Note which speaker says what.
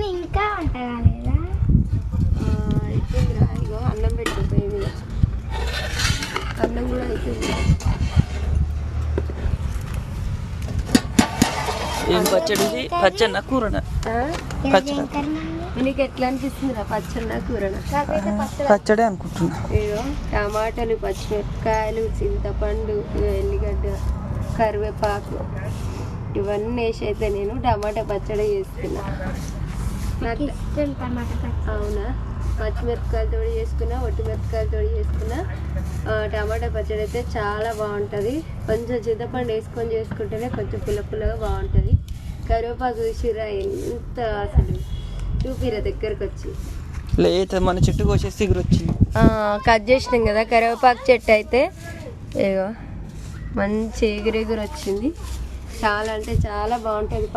Speaker 1: ఇంకా వంట కాలేదా?
Speaker 2: అయిపోయిందిరా. ఇగో అన్నం పెట్టిపోయింది. అన్నం కూడా అయిపోయింది.
Speaker 3: ఏం పచ్చడి? పచ్చడి కూరన?
Speaker 2: నీకు ఎట్లా అనిపిస్తుందిరా పచ్చడి కూరన?
Speaker 3: పచ్చడే అనుకుంటున్నా.
Speaker 2: ఇగో టమాటాలు, పచ్చిమిరపకాయలు, చింతపండు, ఎల్లిగడ్డ, కరివేపాకు ఇవన్నీ వేసి అయితే నేను టమాటా పచ్చడి చేసుకున్నా. నాకు అవునా? పచ్చిమిరపకాయలతో చేసుకున్నా, ఒట్టిమిరపకాయలతో చేసుకున్నా. టమాటా పచ్చడి అయితే చాలా బాగుంటుంది. కొంచెం చింతపండు వేసుకొని చేసుకుంటేనే కొంచెం పుల్లగా బాగుంటుంది. కరివేపాకు చూసిరా ఎంత అసలు చూపిరా దగ్గరకు వచ్చి.
Speaker 3: లేదు మన చెట్టు కోసేసి సిగురు వచ్చింది.
Speaker 2: కట్ చేసినాం కదా కరివేపాకు చెట్టు అయితే ఇగో మంచి ఎగురెగురు వచ్చింది. చాలా అంటే చాలా బాగుంటుంది.